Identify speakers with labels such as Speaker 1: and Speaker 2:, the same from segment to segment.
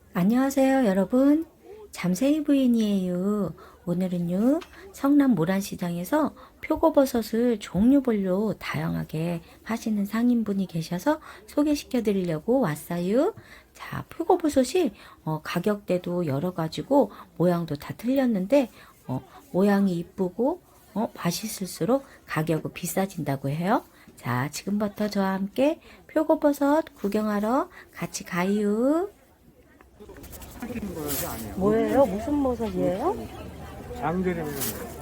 Speaker 1: 안녕하세요, 여러분. 잠세이 부인이에요. 오늘은요, 성남 모란시장에서 표고버섯을 종류별로 다양하게 하시는 상인분이 계셔서 소개시켜 드리려고 왔어요. 자, 표고버섯이 가격대도 여러 가지고 모양도 다 틀렸는데 모양이 이쁘고 맛있을수록 가격은 비싸진다고 해요. 자, 지금부터 저와 함께 표고버섯 구경하러 같이 가요.
Speaker 2: 하시는 버섯이 아니에요.
Speaker 1: 뭐예요? 무슨 버섯이에요?
Speaker 2: 장조림이는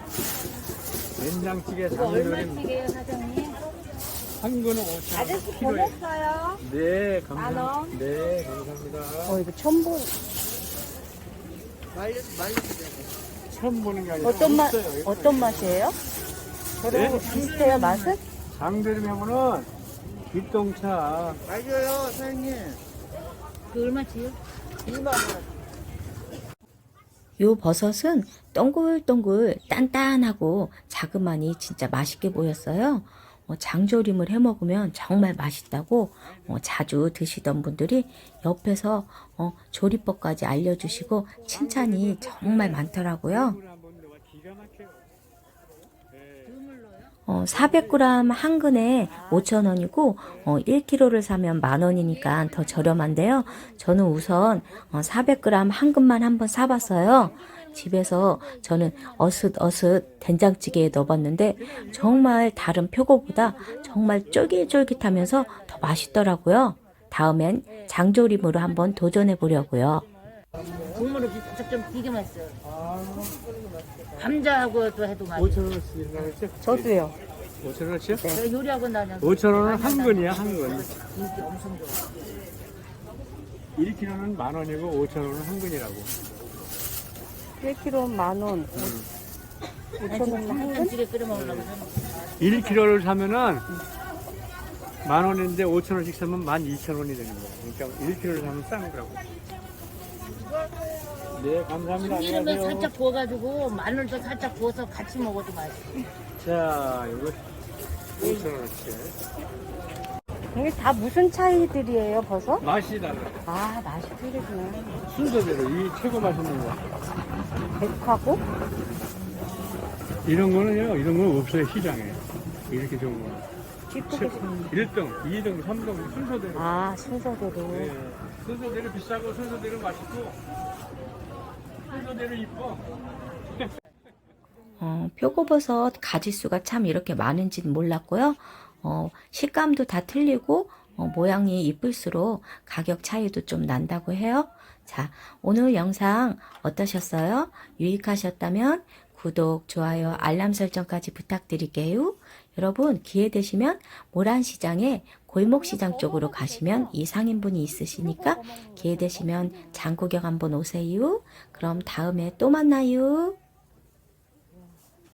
Speaker 2: 된장찌개
Speaker 3: 이거
Speaker 2: 장조림
Speaker 3: 얼마씩이에요, 사장님?
Speaker 2: 한 거는 5,000원
Speaker 3: 아저씨
Speaker 2: 키로에.
Speaker 3: 보냈어요.
Speaker 2: 네,
Speaker 3: 만
Speaker 2: 감사합니다.
Speaker 3: 원.
Speaker 2: 네, 감사합니다.
Speaker 1: 이거 처음 보
Speaker 2: 처음 보는 게 아니라
Speaker 1: 어떤 맛,
Speaker 2: 있어요, 이거.
Speaker 1: 어떤 맛이에요? 저랑
Speaker 2: 네.
Speaker 1: 비슷해요, 맛은?
Speaker 2: 장조림 하면은 뒷동차
Speaker 4: 맞아요, 사장님.
Speaker 3: 그 얼마치요?
Speaker 4: 2만 원.
Speaker 1: 요 버섯은 동글동글 단단하고 자그마니 진짜 맛있게 보였어요. 장조림을 해 먹으면 정말 맛있다고 자주 드시던 분들이 옆에서 조리법까지 알려주시고 칭찬이 정말 많더라고요.
Speaker 2: 기가 막혀요.
Speaker 1: 400g 한 근에 5,000원이고 1kg를 사면 10,000원이니까 더 저렴한데요. 저는 우선 400g 한 근만 한번 사봤어요. 집에서 저는 어슷어슷 된장찌개에 넣어봤는데 정말 다른 표고보다 정말 쫄깃쫄깃하면서 더 맛있더라고요. 다음엔 장조림으로 한번 도전해 보려고요.
Speaker 3: 국물을 좀 되게 맛있어요. 감자하고 또 해도 맛있어요.
Speaker 2: 5,000원씩 나갔죠?
Speaker 1: 저도요.
Speaker 2: 5,000원씩요?
Speaker 3: 제가 요리하고 다녀서
Speaker 2: 5,000원은 한 근이야, 한 근.
Speaker 3: 인기 엄청 좋아.
Speaker 2: 1kg는 10,000원이고 5,000원은 한 근이라고.
Speaker 1: 1kg 10,000원. 5,000원 한 근?
Speaker 3: 된장찌개 끓여 먹으려고 저는
Speaker 2: 1kg를 사면은 10,000원인데 5,000원씩 사면 12,000원이 되는 거야. 그러니까 1kg를 사면 싼 거라고. 네, 감사합니다.
Speaker 3: 참기름에
Speaker 2: 안녕하세요.
Speaker 3: 살짝 부어가지고 마늘도 살짝 부어서 같이 먹어도 맛있어.
Speaker 2: 자, 이거 5,000원어치.
Speaker 1: 이게 다 무슨 차이들이에요, 버섯?
Speaker 2: 맛이 달라.
Speaker 1: 아, 맛이 틀리구나.
Speaker 2: 순서대로 이 최고 맛있는 거.
Speaker 1: 백하고?
Speaker 2: 이런 거는요, 이런 건 없어요, 시장에. 이렇게 좋은 거는.
Speaker 1: 찌끄게 생긴.
Speaker 2: 1등, 2등, 3등 순서대로.
Speaker 1: 아, 순서대로.
Speaker 2: 네. 순서대로 비싸고 순서대로 맛있고 순서대로 이뻐.
Speaker 1: 표고버섯 가지수가 참 이렇게 많은지는 몰랐고요. 식감도 다 틀리고 모양이 이쁠수록 가격 차이도 좀 난다고 해요. 자, 오늘 영상 어떠셨어요? 유익하셨다면 구독, 좋아요, 알람 설정까지 부탁드릴게요. 여러분 기회 되시면 모란시장에 골목시장 쪽으로 가시면 이 상인분이 있으시니까 기회 되시면 장 구경 한번 오세요. 그럼 다음에 또 만나요.